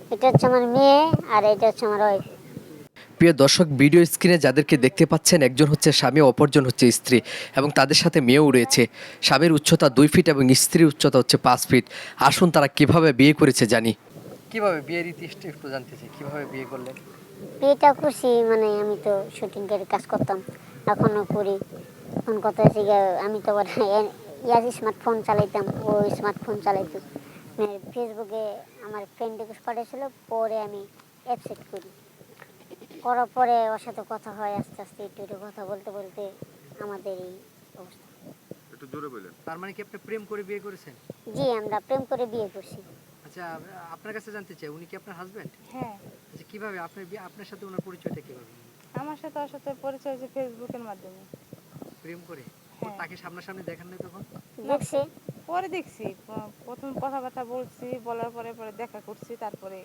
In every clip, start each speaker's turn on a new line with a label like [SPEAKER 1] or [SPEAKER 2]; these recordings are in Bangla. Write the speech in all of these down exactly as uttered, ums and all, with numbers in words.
[SPEAKER 1] এটা হচ্ছে আমার মেয়ে আর এটা হচ্ছে আমার ওয়াইফ।
[SPEAKER 2] প্রিয় দর্শক, ভিডিও স্ক্রিনে যাদেরকে দেখতে পাচ্ছেন একজন হচ্ছে স্বামী, অপরজন হচ্ছে স্ত্রী এবং তাদের সাথে মেয়েও রয়েছে। স্বামীর উচ্চতা দুই ফিট এবং স্ত্রীর উচ্চতা হচ্ছে পাঁচ ফিট। আসুন তারা কিভাবে বিয়ে করেছে জানি। কিভাবে বিয়ের ইতিহাসটা একটু জানতে চাই, কিভাবে বিয়ে করলেন?
[SPEAKER 1] বিয়েটা করছি মানে আমি তো শুটিং এর কাজ করতাম, এখনো করি। এখন কথা হচ্ছে গিয়ে, আমি তো আবার ইয়ার স্মার্টফোন চালাইতাম, ও স্মার্টফোন চালাইতো। মানে ফেসবুকে আমার ফ্রেন্ড রিকোয়েস্ট পাঠিয়েছিল, পরে আমি অ্যাকসেপ্ট করি। করার পরে ওর সাথে কথা হয়, আস্তে আস্তে একটু একটু কথা বলতে বলতে আমাদের এই অবস্থা।
[SPEAKER 3] একটু জোরে বললেন।
[SPEAKER 2] তার মানে কি আপনি প্রেম করে বিয়ে করেছেন?
[SPEAKER 1] জি, আমরা প্রেম করে বিয়ে করছি।
[SPEAKER 2] আচ্ছা, আপনার কাছে জানতে চাই, উনি কি আপনার হাজবেন্ড?
[SPEAKER 4] হ্যাঁ,
[SPEAKER 2] আচ্ছা, কিভাবে আপনার বিয়ে, আপনার সাথে ওনার পরিচয়টা কিভাবে?
[SPEAKER 4] আমার সাথে ওর সাথে পরিচয় হয়েছে ফেসবুকের মাধ্যমে।
[SPEAKER 2] প্রেম করে? ও
[SPEAKER 4] হ্যাঁ।
[SPEAKER 2] তাকে সামনাসামনি দেখেন নাই তখন?
[SPEAKER 1] দেখছি।
[SPEAKER 4] পরে দেখছি, প- প্রথম কথাবার্তা বলছি, বলার পরে পরে দেখা করছি, তারপরে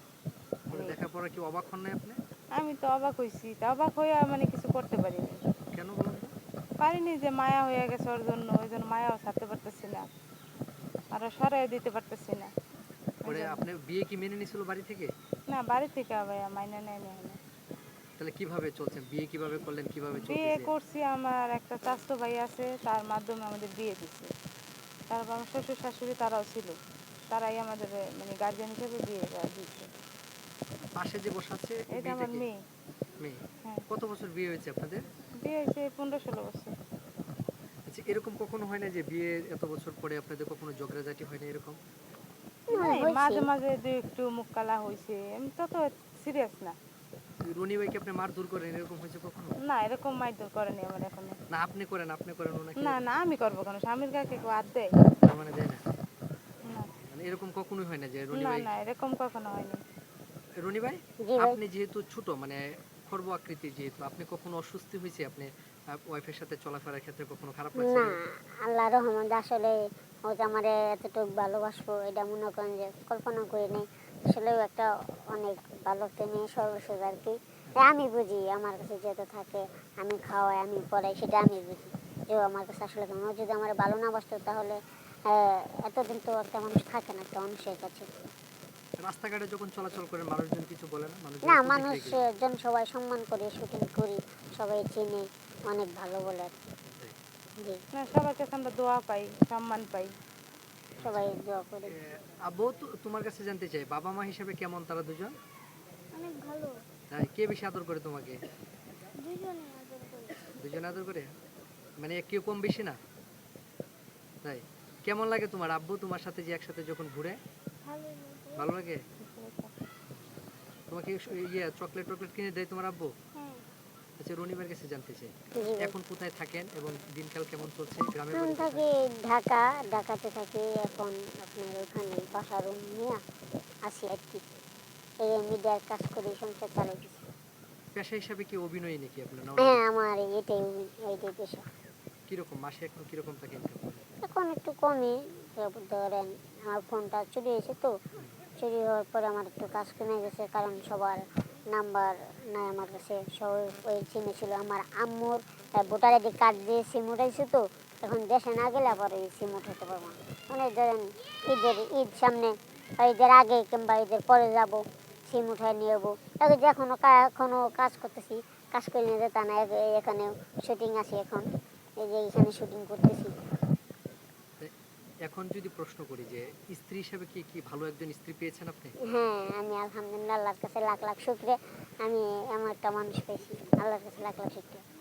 [SPEAKER 2] পরে
[SPEAKER 4] আমি
[SPEAKER 2] দেখার পরে কি অবাক হন নাই আপনি?
[SPEAKER 4] আমি তো অবাক হয়েছি, তা অবাক হয়ে মানে কিছু করতে পারিনি।
[SPEAKER 2] কেন বলুন তো?
[SPEAKER 4] পারিনি যে মায়া হয়ে গেছে ওর জন্য, ওই জন্য মায়াও ছাড়তে পারতেছি না, আরও সরাই দিতে পারতেছি না। ওই
[SPEAKER 2] পরে
[SPEAKER 4] জন্য।
[SPEAKER 2] আপনি বিয়ে কি মেনে নিছিল বাড়ি থেকে?
[SPEAKER 4] না, বাড়ি থেকে ভাইয়া মাইনে নেয় নেয় না।
[SPEAKER 2] তাহলে কিভাবে চলছেন, বিয়ে কিভাবে করলেন, কিভাবে
[SPEAKER 4] বিয়ে
[SPEAKER 2] চলতেছে?
[SPEAKER 4] করছি, আমার একটা চাচাতো ভাই আছে, তার মাধ্যমে আমাদের বিয়ে দিচ্ছে। তারপর আমার শ্বশুর শাশুড়ি তারাও ছিল, তারাই আমাদের মানে গার্জিয়ান হিসেবে বিয়ে দিচ্ছে।
[SPEAKER 2] পাশে যে বসে আছে এই
[SPEAKER 4] এটা
[SPEAKER 2] মেয়েটা
[SPEAKER 4] আমার
[SPEAKER 2] কি?
[SPEAKER 4] মেয়ে।
[SPEAKER 2] মেয়ে?
[SPEAKER 4] হ্যাঁ,
[SPEAKER 2] কত বছর বিয়ে হয়েছে আপনাদের?
[SPEAKER 4] বিয়ে হয়েছে পনেরো ষোলো বছর।
[SPEAKER 2] আচ্ছা, এরকম কখনো হয় না যে বিয়ে এত বছর পরে আপনাদের কখনো ঝগড়াঝাটি হয় না এরকম?
[SPEAKER 1] হ্যাঁ,
[SPEAKER 4] নাই,
[SPEAKER 1] হয়েছে।
[SPEAKER 4] মাঝে মাঝে দুই একটু মুখ কালা হয়েছে, আমি তত সিরিয়াস না।
[SPEAKER 2] রনি ভাইকে আপনি মার দূর করেন, এরকম হয়েছে কখনো?
[SPEAKER 4] না, এরকম মারধর করেনি আমার এখনো।
[SPEAKER 2] না আপনি করেন, আপনি করেন ওনাকে?
[SPEAKER 4] না না, আমি করবো কেন, স্বামীর গায়ে কেউ হাত দেয়?
[SPEAKER 2] তার মানে দেয় না?
[SPEAKER 4] না
[SPEAKER 2] মানে এরকম কখনোই হয় না যে রনি
[SPEAKER 4] না
[SPEAKER 2] ভাই?
[SPEAKER 4] না, এরকম কখনো হয়নি।
[SPEAKER 2] রনি ভাই,
[SPEAKER 1] জি ভাই।
[SPEAKER 2] আপনি যেহেতু ছোট, মানে খর্ব আকৃতির, যেহেতু আপনি কখনো অস্বস্তি হয়েছে, আপনি ওয়াইফের সাথে চলাফেরার ক্ষেত্রে কখনো খারাপ লাগছে?
[SPEAKER 1] না, আল্লাহ রহমত আসলে ও যে আমার এতটুকু ভালোবাসবো এটা মনে করেন যে কল্পনা করি নাই। আসলেও একটা অনেক ভালো একটা মেয়ে, সর্বশেষ আর কি। তাই আমি বুঝি, আমার কাছে যেহেতু থাকে, আমি খাওয়াই, আমি পড়াই, সেটা আমি বুঝি যে ও আমার কাছে আসলে কেমন। ও যদি আমার ভালো না বাসতো তাহলে আহ, এতদিন তো একটা মানুষ থাকে না একটা মানুষের কাছে।
[SPEAKER 2] রাস্তাঘাটে যখন চলাচল করেন মানুষজন কিছু বলে না? মানুষজন
[SPEAKER 1] না,
[SPEAKER 2] প্রতিক্রিয়া কি?
[SPEAKER 1] মানুষজন সবাই সম্মান করে, শুটিং করি, সবাই চিনে, অনেক ভালো বলে আর কি। জি,
[SPEAKER 4] না, সবার কাছে আমরা দোয়া পাই, সম্মান পাই।
[SPEAKER 1] সবাই দোয়া করে।
[SPEAKER 2] এ, আব্বু, তো- তোমার কাছে জানতে চাই, বাবা মা হিসেবে কেমন তারা দুজন?
[SPEAKER 1] অনেক ভালো,
[SPEAKER 2] তাই কে বেশি আদর করে তোমাকে?
[SPEAKER 1] দুজনে আদর করে।
[SPEAKER 2] দুজন আদর করে? মানে কেউ কম বেশি না? তাই? কেমন লাগে তোমার আব্বু তোমার সাথে যে একসাথে যখন ঘুরে? ভালো লাগে? তোমাকে স- ইয়ে চকলেট টকলেট কিনে দেয় তোমার আব্বু? আচ্ছা, রনিবার কাছে জানতে চাই, এখন কোথায় থাকেন এবং দিনকাল কেমন চলছে, গ্রামের
[SPEAKER 1] এখন
[SPEAKER 2] বাড়ি কোথায়?
[SPEAKER 1] থাকি ঢাকা, ঢাকাতে থাকি এখন। আপনার ওখানে বাসা রুম নিয়ে আসি আর কি। এই মিডিয়ার কাজ করি, সংসার চালাইছি।
[SPEAKER 2] পেশা হিসাবে কি অভিনয় নাকি আপনার, না অন্য
[SPEAKER 1] হ্যাঁ,
[SPEAKER 2] কিছু?
[SPEAKER 1] আমার এটাই এইটাই পেশা।
[SPEAKER 2] কিরকম মাসে এখন কিরকম টাকা ইনকাম করেন?
[SPEAKER 1] এখন একটু কমই। তারপর ধরেন আমার ফোনটা চুরি হয়েছে, তো চুরি হওয়ার পরে আমার একটু কাজ কমে গেছে, কারণ সবার নাম্বার নাই আমার কাছে। সবাই ওই সিমে ছিল। আমার আম্মুর ভোটার আইডি কার্ড দিয়ে সিম উঠাইছে, তো এখন দেশে না গেলে আবার ওই সিম উঠাতে পারবো না। মানে ধরেন ঈদের ঈদ সামনে, বা ঈদের আগে কিংবা ঈদের পরে যাব, সিম উঠায় নিয়ে যাবো। এখন যে এখনো এখনো কাজ করতেছি, কাজ করে নিয়ে যেতে না। এখানে শুটিং আছে এখন, এই যে এখানে শুটিং করতেছি।
[SPEAKER 2] তাই এখন যদি প্রশ্ন করি যে স্ত্রী হিসাবে কি কি ভালো একজন স্ত্রী পেয়েছেন আপনি?
[SPEAKER 1] হ্যাঁ, আমি আলহামদুলিল্লাহ আল্লাহর কাছে লাখ লাখ শুক্রিয়া। আমি এমন একটা মানুষ পেয়েছি, আল্লাহর কাছে লাখ লাখ শুক্রিয়া।